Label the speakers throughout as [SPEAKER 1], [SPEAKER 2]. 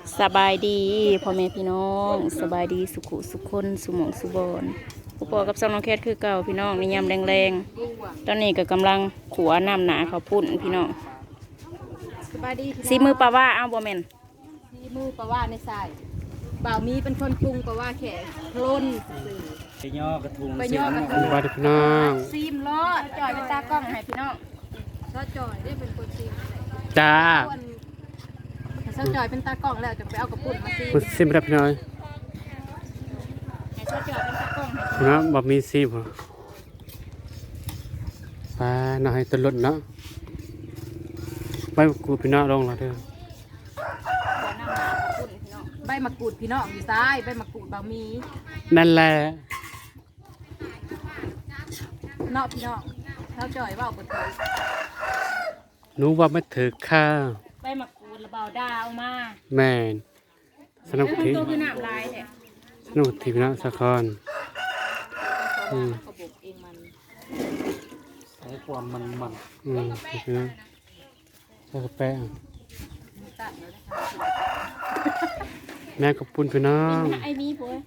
[SPEAKER 1] สบายดีพ่อแม่พี่น้องสบายดีสุขุสุขคนสุหมองสุบอนผู้ปอกับซองน้องแคทคือเก่าพี่น้องในยามแรงๆตอนนี้ก็กำลังขัวน้ำหนาเขาวปุ่นพี่น้อง
[SPEAKER 2] สบายดีพี่น้อง
[SPEAKER 1] ซีมือปลาว่าเอาบ่แม่น
[SPEAKER 2] ซีมือปลาว่าในสายบ่าวมีเป็นคนปรุงปลาว่าแขกโคลนสื่อ
[SPEAKER 3] ไปย่อกระทุง
[SPEAKER 2] ไปย่อกระทุง
[SPEAKER 4] สวัสดีพี่น้อง
[SPEAKER 1] ซีมรอดจ่อยเป็นตากล้องให้พี่น้อง
[SPEAKER 2] เจ้าจอยได้เป็นคนซีม
[SPEAKER 4] จ้า
[SPEAKER 2] เจ้าจอยเป็นตากล้องแล้วจะไปเอากระปุ่นมาซีม
[SPEAKER 4] คุณซิมรับพี่น้อย
[SPEAKER 1] ให้จ่อยเป็นตากล้องให้
[SPEAKER 4] พี่น้องบอกมีซิมเหรอไปหน่อยตัวรถเนาะไปกูพี่น้องลงแล้วเด้อ
[SPEAKER 1] ขัวน้ำหนาเขาวปุ่นพี่น้อง
[SPEAKER 2] ใบมะกรูดพี่น้องอยู่ซ้ายใบมะกรูดบ่าวมี
[SPEAKER 4] นั่นแหละ
[SPEAKER 2] เนาะพี่น้องเจ้าจอยว่าเอาไปเถอะ
[SPEAKER 4] หนูว่าไม่ถือค่า
[SPEAKER 1] ใบมะกรูดระเบาดาวมา
[SPEAKER 4] แม่นสนุกที
[SPEAKER 1] ตัวคือน้ำลายแท้
[SPEAKER 4] สนุกทีพี่น้องสักคนอืม
[SPEAKER 2] เขาบอกเองมัน
[SPEAKER 3] ใช้ความมัน
[SPEAKER 4] อืมพี่น้องใส่กระแปะ
[SPEAKER 2] ตัดเลยนะคะ
[SPEAKER 4] แม่กับปุ้นพี่น้อง
[SPEAKER 1] ไอ้มีผัว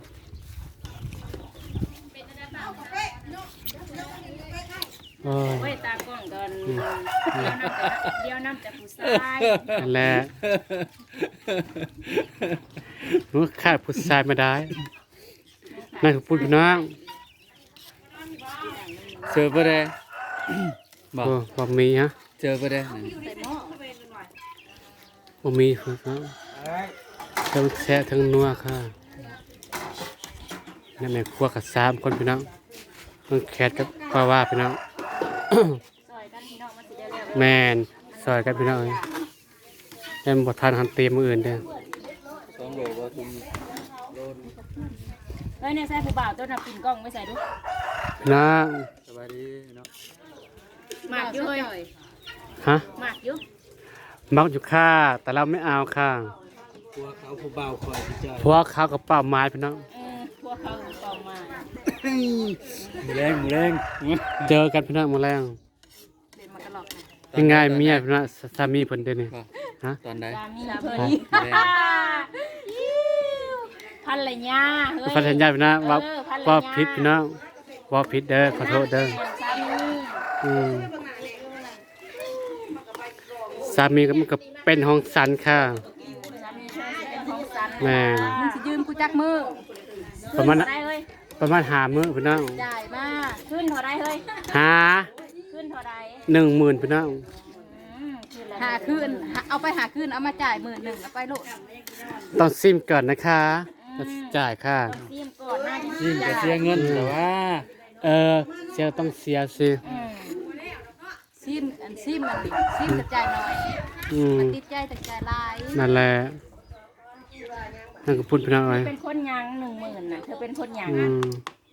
[SPEAKER 4] โอ้ย
[SPEAKER 1] เว้ยตากล้องกันเดี๋ยวน้ำแต่ผู้ชาย
[SPEAKER 4] นั่นแหละหนูขาดผู้ชายไม่ได้แม่กับปุ้นพี่น้อง
[SPEAKER 3] เจอปะเด้บอก
[SPEAKER 4] โอ้บ่มีฮะ
[SPEAKER 3] เจอปะเด้
[SPEAKER 4] บ่มีครับทั้งแซ่ทั้งนัวค่ะนี่แม่ครัวกับ3คนพี่น้องต้องแคทกับป้าว่าพี่น้อง
[SPEAKER 1] ซอยกันพี่น้องมันสิได้แล้ว
[SPEAKER 4] แม่นซอยกันพี่น้องเอ้ยแม่นบ่ทานหันเตรียมมื้ออื่นเด้อ
[SPEAKER 3] 2 โลบ่ทุง
[SPEAKER 1] เฮ้ยเนี่ยใส่ผู้บ่าวตัวน่ะปิ่นกล้องไม่ใส่ดู
[SPEAKER 4] พี่น้อง
[SPEAKER 3] สบายดีเนาะ
[SPEAKER 1] หมากอยู่เฮ้ย
[SPEAKER 4] ฮะ
[SPEAKER 1] หมากอยู่
[SPEAKER 4] มักอยู่ค่ะแต่เราไม่เอาค่ะ
[SPEAKER 3] ตัวเขาผู้เบาคอยพี่จอย
[SPEAKER 4] เพราะว่าเขากับป้าไม้พี่น้อง
[SPEAKER 1] พวกเขากองมา
[SPEAKER 3] หมูแรง
[SPEAKER 4] เจอกันพี่น้องมื้อแรง
[SPEAKER 2] เดินมากระหลอกนะ
[SPEAKER 4] ยังไงเมียพี่น้องสามีเพิ่นเด้อนี่ฮะ
[SPEAKER 3] ตอนใด
[SPEAKER 1] สามีเพิ่น
[SPEAKER 3] หมูแรง
[SPEAKER 1] พันละยาเฮ้ย
[SPEAKER 4] พันธัญญาพี่น้องว่าผิดพี่น้องว่าผิดเด้อขอโทษเด้อ
[SPEAKER 1] สามี
[SPEAKER 4] อืมสามีก็มันก็เป็นห้องสันค่ะ
[SPEAKER 1] สามีเพิ่นสิเป็นของสัน
[SPEAKER 4] แม่
[SPEAKER 2] มึงสิยืมกูจักมือ
[SPEAKER 4] ประมาณ
[SPEAKER 1] ขึ้นเท่าไรเฮ้ย
[SPEAKER 4] ประมาณ5 มื้อพี่น้อง
[SPEAKER 2] จ่ายมา
[SPEAKER 1] ขึ้นเท่าไรเฮ้ย
[SPEAKER 4] หา
[SPEAKER 1] ขึ้นเท่าไร
[SPEAKER 4] 10,000พี่น้อง
[SPEAKER 1] ขึ้นละ
[SPEAKER 2] หาคืนเอาไปหาคืนเอามาจ่าย11,000เอาไปโลด
[SPEAKER 4] ต้องซิมก่อนนะคะแล้วจ่ายค่ะ
[SPEAKER 1] ซีมก่อนหน้าที่
[SPEAKER 3] ยิ่งจะเสียเงินแต่ว่า
[SPEAKER 4] เสียต้องเสียสิ
[SPEAKER 2] ซิมอันซิมมันดิซิมกระจายหน่อย
[SPEAKER 4] อืม
[SPEAKER 2] มันติดใจแต่ใจลาย
[SPEAKER 4] นั่นแหละนั่นก็พูดพี่น้องเอ้ย
[SPEAKER 1] เป็นคนยัง10,000น่ะเธอเป็นคนยัง
[SPEAKER 4] อื
[SPEAKER 1] อ่ะ
[SPEAKER 4] ม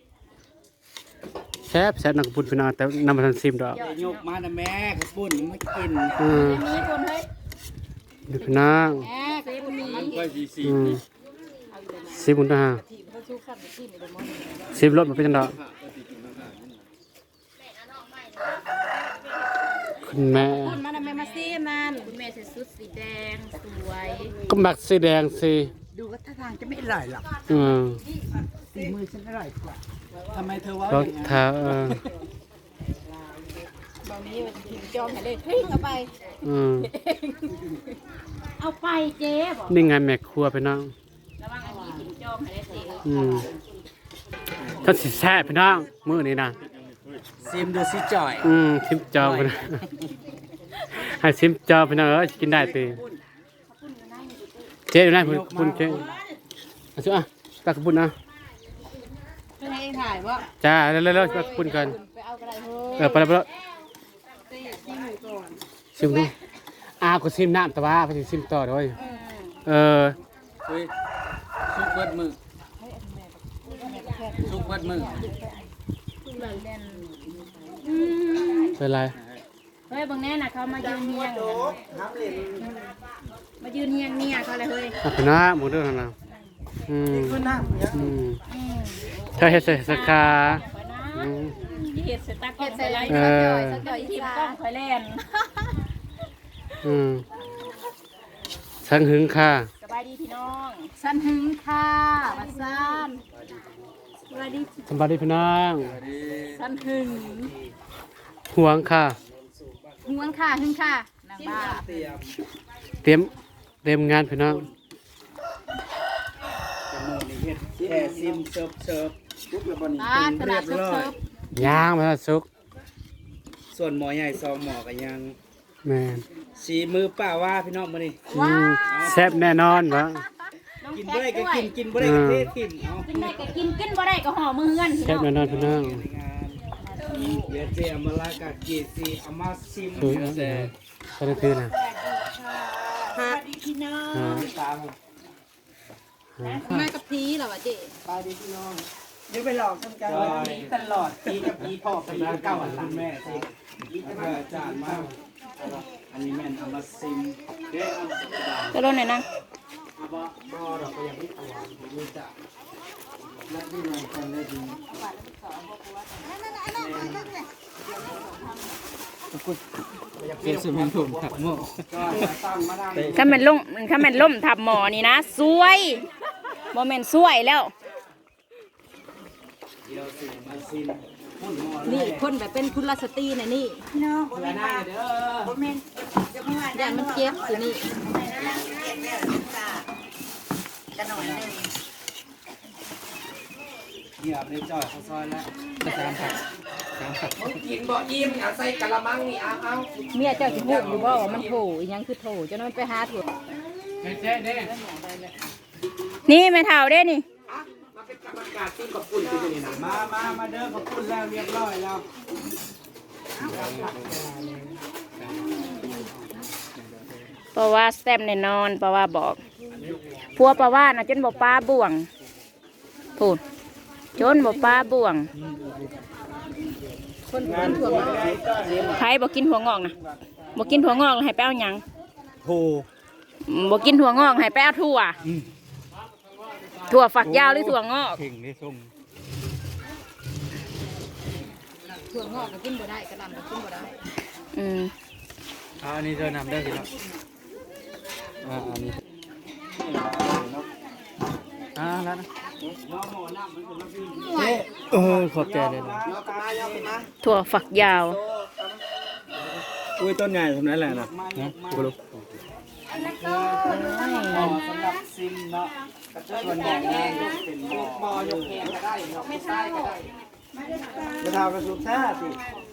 [SPEAKER 4] แซ่บนั่นก็พูดพี่น้องแต่นำมาทันซิมดอก
[SPEAKER 3] ยกมาแต่แม่กระปุ่นมากิน
[SPEAKER 4] อืม
[SPEAKER 1] มีคนเฮ้ย
[SPEAKER 4] ดูพี่น้อง
[SPEAKER 2] แหมก็ยังมี
[SPEAKER 3] ค่อยสี
[SPEAKER 4] อืมซิมคุณนะฮะ
[SPEAKER 2] ที่เขาสู้ขับซิมไอ้เดมอน
[SPEAKER 4] ซิมรถมาเป็นจังดอกคุณแม่
[SPEAKER 2] พูดมาทำไมมาซิมนั่น
[SPEAKER 1] คุณแม่ใส่ชุดสีแดงสวย
[SPEAKER 4] ก็มักสีแดงสิ
[SPEAKER 2] ดูว่าท่าทางจะไม่อร่อยหรอก
[SPEAKER 4] อืม
[SPEAKER 2] สีมือฉันอร่อยกว่า
[SPEAKER 3] ทำไมเธอว่าร
[SPEAKER 4] ถเท้า
[SPEAKER 2] บางนี้มันพิมพ์จองให้เลยทิ้งเอาไป
[SPEAKER 4] อืม
[SPEAKER 1] เอาไปเจ๊บอก
[SPEAKER 4] นี่ไงแม่ครัวพี่น้อง
[SPEAKER 1] ระวังอันนี้ถึงจอมให้ได้สิ
[SPEAKER 4] อืมถ้าสิแซ่บพี่น้องมื้อนี้นะ
[SPEAKER 3] ซิมดูสิจอย
[SPEAKER 4] ซิมจอพี่น้องให้ซิมจอพี่น้องกินได้ติเจ๊อยู่ไหนคุณเจ๊เอาสิตักกระปุ้นนะ
[SPEAKER 2] เป็นให้ถ่ายว่า
[SPEAKER 4] จ้าเร็วๆตักกระปุ้นก่อน
[SPEAKER 2] ไปเอากระไรเฮ้ย
[SPEAKER 4] ไปแล้ว
[SPEAKER 2] ตีซิมก่อน
[SPEAKER 4] ซิมดูก็ซิมน้ำแต่ว่าไปสิซิมต่อด้วยเออ
[SPEAKER 3] เฮ้ยซุกเบิดมือซุกเบิดมือ
[SPEAKER 4] เป็นไร
[SPEAKER 1] เฮ้ยบางแน่น่ะเขามายืนเฮียงมายืนเฮียงเนี่ยเขาเลยเฮ้ย
[SPEAKER 4] พี่น้าหมูเด้อนะเธอเฮ็ดใส่สักขา
[SPEAKER 1] คอยนะเห็ดใส่ตากล้องใส่ไร
[SPEAKER 4] เออ
[SPEAKER 1] สักหน่อยทีมกล้องคอยเล่น
[SPEAKER 4] สังหึงค่ะ
[SPEAKER 1] สบพี่น้อง
[SPEAKER 2] สันหึงค่ะบัดซันสวัสดี
[SPEAKER 4] สบายดีพี่น้อง
[SPEAKER 2] สันหึง
[SPEAKER 4] ห่วงค่ะ
[SPEAKER 2] ห่วงค่ะหึงค่ะนางบ้า
[SPEAKER 4] เตรียมงานพี่น้อง
[SPEAKER 3] จมูกนี่เฮ็ดแค่ซิมเสิร์ฟปุ๊บแล้วบ่นี่
[SPEAKER 2] อ่า
[SPEAKER 3] เป็น
[SPEAKER 2] ต
[SPEAKER 3] เรี
[SPEAKER 2] ลาย ด
[SPEAKER 3] บ
[SPEAKER 2] เซิ
[SPEAKER 3] ร้อย
[SPEAKER 2] ร์ฟ
[SPEAKER 4] ย่างมาสุก
[SPEAKER 3] ส่วนหมอใหญ่ซองหมอก็ยัง
[SPEAKER 4] แม่น
[SPEAKER 3] สีมือป้าว่าพี่น้องมื้อนี้
[SPEAKER 4] อืมแซ่บแน่นอนวะ
[SPEAKER 1] น้อง
[SPEAKER 3] กิน
[SPEAKER 1] แค
[SPEAKER 3] บ่ได้
[SPEAKER 1] ท
[SPEAKER 3] ก็
[SPEAKER 1] ด้วย
[SPEAKER 3] กินกินบ่ได้ก็เททิ้งเอา
[SPEAKER 1] กินได้ก็กินกินบ่ได้ก็ห่อมือเฮือนพี่
[SPEAKER 4] แซ่บ
[SPEAKER 1] น้อง
[SPEAKER 4] แน่นอนพี่น้อง
[SPEAKER 3] ในงานเดี๋ยวเจอมาลากาเกซีเอามาซิม
[SPEAKER 4] คือเอา
[SPEAKER 3] แซ่
[SPEAKER 4] ก็ได้คือนะ
[SPEAKER 3] สวัสดีพี่น้องตาม
[SPEAKER 2] แม่กับพีเหรอวะเจ๊
[SPEAKER 3] ไปดีพี่น้องเดี๋ยวไปหลอกกันกันนี้ตลอดปีกับปีพ่อปีเก่าอันหลังแม่สิปีกับอาจารย์มากอันนี้แม่นเอามาซิมเด้เอา
[SPEAKER 1] จะลดหน่อยนะ
[SPEAKER 3] บ่เราก็ยังไม่เอาไม่รู้จักและที่นอนกันได้ดีเกี่ยวกับมันผมถักหม้อก็ตั้งมาได้
[SPEAKER 1] ถ้าแม่นล่มทับหมอนี่นะสวยบ่แม่นสวยแล้ว
[SPEAKER 3] เดี๋ยวสิมาซิมพุ่นหม้อ
[SPEAKER 2] นี่คนแบบเป็นคุณลสตรีน่ะนี่
[SPEAKER 3] เวลาหน้าเด้อ
[SPEAKER 2] อย่างมันเจ็บสินี่
[SPEAKER 3] เหยียบในจ่อยเขาซอยแล้วสามผักกินบ่อิ่มเอาใส่กะละมังนี่เอา
[SPEAKER 2] เมียเจ้าสิพูดอยู่บ่ว่ามันโถอีหยังคือโถเจ้านั้นไปหาโถ
[SPEAKER 3] เจ๊เด้
[SPEAKER 1] นี่แม่เฒ่าเด้นี่
[SPEAKER 3] มาเป็นกรรมการที่ขอบคุณที่นี่นะมาเด้อขอบคุณแล้วเรียบร้อยแล้ว
[SPEAKER 1] เพราะว่าแซ่บแน่นอนเพราะว่าบอกพัวเพราะว่าน่ะจนบ่ปลาบ่วงพูดจนบ่ปลาบ่วง
[SPEAKER 2] คนเป็นถั่วงอก
[SPEAKER 1] ไผบ่กินหัวงอกนะบ่กินหัวงอกให้ไปเอาหยัง
[SPEAKER 3] โห
[SPEAKER 1] บ่กินถั่วงอกให้ไปเอาถั่วถั่วฝักยาวหรือถั่วงอก
[SPEAKER 3] เข่งได้ส่ง
[SPEAKER 2] ถั่วงอกก็กินบ่ได้กระหล่ำก็กินบ่ได้
[SPEAKER 1] อืม
[SPEAKER 3] อันนี้เธอนำได้สิครับอันนี้แล้วนะขอบใจเลยนะ
[SPEAKER 1] ถั่วฝักยาว
[SPEAKER 3] อุ้ยต้นใหญ่ทำนั้นแหละนะกูรู้สำหรับซิมเนาะส่วนใหญ่เป็นหม้อยกแขนก็ได้เนาะไม่ใช่ก็ได้ไม่เท่ากระสุนท่าสิ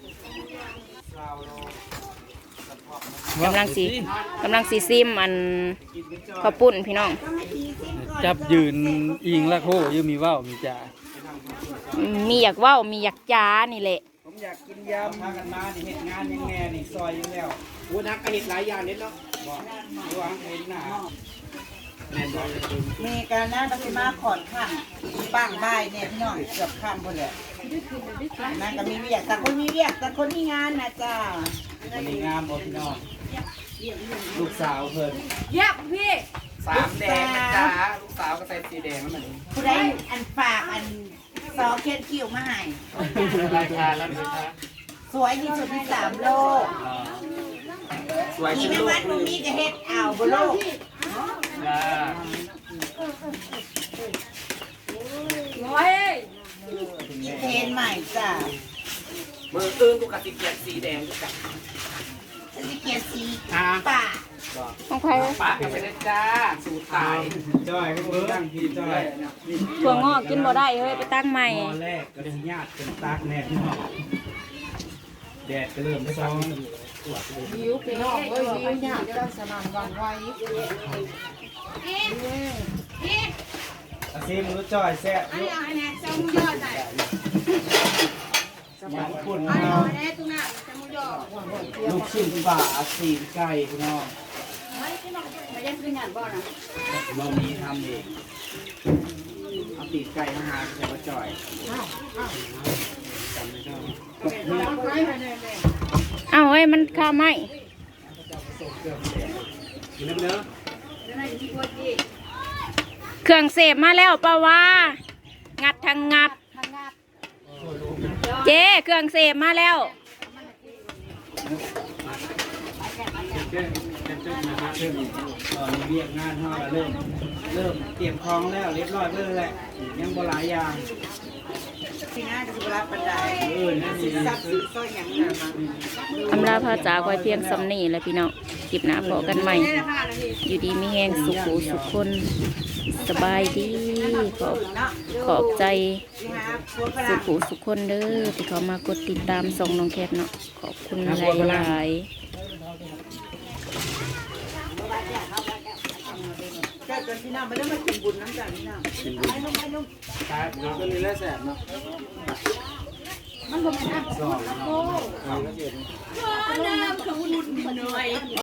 [SPEAKER 1] กำลังสีซิมอันข้าวปุ้นพี่น้อง
[SPEAKER 3] จับยืนอิงละโคยืมมีว่าวมีจ่า
[SPEAKER 1] มีอยากเว้ามีอยากจ้านี่แหละ
[SPEAKER 3] ผมอยากกินยำพากันมานี่เห็ดงานยังแน่นี่ซอยยังแล้วอู้นักก็เห็ดหลายอย่างนิดเนาะบอกดูวางเห็นหน้าแน่นอน
[SPEAKER 5] มีการนั่งปฏิมาขอนข้างบ้างบ่ายเนี่ยพี่น้องเกือบข้ามหมดเลยนั่นก็มีเวียกแต่คนมีเวียกแต่คนมีงานนะจ้า
[SPEAKER 3] วันนี้งามบ่พี่น้องลูกสาวเพิ่น
[SPEAKER 2] เย็บพี่
[SPEAKER 3] สามแดงนะจ๊ะลูกสาวก็ใส่สีแดงนั่นเหมือน
[SPEAKER 5] ผู้ใดอันฝากอันซอเขียนคิวมาให้
[SPEAKER 3] รายการแล้วนะคะ
[SPEAKER 5] สวยที่สุดใน3 โลก
[SPEAKER 3] สวย
[SPEAKER 5] อี
[SPEAKER 3] ขึ้น
[SPEAKER 5] แม่
[SPEAKER 3] ลู
[SPEAKER 5] วั
[SPEAKER 3] ก
[SPEAKER 5] ดมึงมีก็เฮ็ดอ่าวบนโลก
[SPEAKER 3] จ้า
[SPEAKER 2] ร้อย
[SPEAKER 5] อีเทนใหม่จ้า
[SPEAKER 3] มืออื่นกูกติเกียนสีแดงกูกับ
[SPEAKER 5] ฉันจะเขียนสีป่า
[SPEAKER 1] ของใคร
[SPEAKER 3] ปากกันไปเลยจ้าสูตายจ้อยก็เบิ้งพี่จ้อย
[SPEAKER 1] ถั่วงอกกินบ่ได้เฮ้ยไปตั้งใหม่
[SPEAKER 3] ตอนแรกก็เลยญาติเป็นตากแน่พี่น้องแดดก็เริ่มซ้อน
[SPEAKER 2] หิวพี่น้องเอ้ยหิวเนี่ยจะสนั่นหวันไหว
[SPEAKER 3] อาซีมือจ้อยแซ่บยุหมันคุณน้องลูกชิ้นปลาสีไก่พี่น้องเรามีทำเองเอาตีนไก่มาหาใส่มาจ่อยจำไม่ได้
[SPEAKER 1] เอ้าเฮ้ยมันข้าวไหม
[SPEAKER 3] กินน้ำเนื้อ
[SPEAKER 1] เครื่องเสพมาแล้วเปล่าวะงัดทางงัด เจ๊เครื่องเสพมาแล้ว
[SPEAKER 3] เจ้านะครับเพิ่มตอนนี้เรียกงานห้าเริ่มเตรียมคล้องแล้วเรียบร้อยเพื่อแหละยังบ่หลายอย่าง
[SPEAKER 5] ที่งานก็สิรับปันได
[SPEAKER 3] นั่นสิ
[SPEAKER 5] ซับซื้อซอยหยังน่ะมา
[SPEAKER 1] อำลาพาจากไว้เพียงซ้ำนี่แหละพี่น้องคลิปหน้าพอกันใหม่ อยู่ดีมีแหงสุขสุขคนสบายดีขอบใจ
[SPEAKER 5] สิหาพวกฝรั่
[SPEAKER 1] สุ
[SPEAKER 5] ง
[SPEAKER 1] ขสุขคนเด้อที่เขามากดติดตามส่องน้องแคทเนาะขอบคุณหลายๆ
[SPEAKER 5] เจ้าจนพี่น้องไม่ได้มากินบุญน้ำจากพี่น้องไปนุ่มไปนุ่ม
[SPEAKER 3] ครับก็เลยแล้วแสบเนาะ
[SPEAKER 2] มันบ่แม่นอ่ะ
[SPEAKER 3] สอง
[SPEAKER 2] โอ้น้ำขบุญหน่อย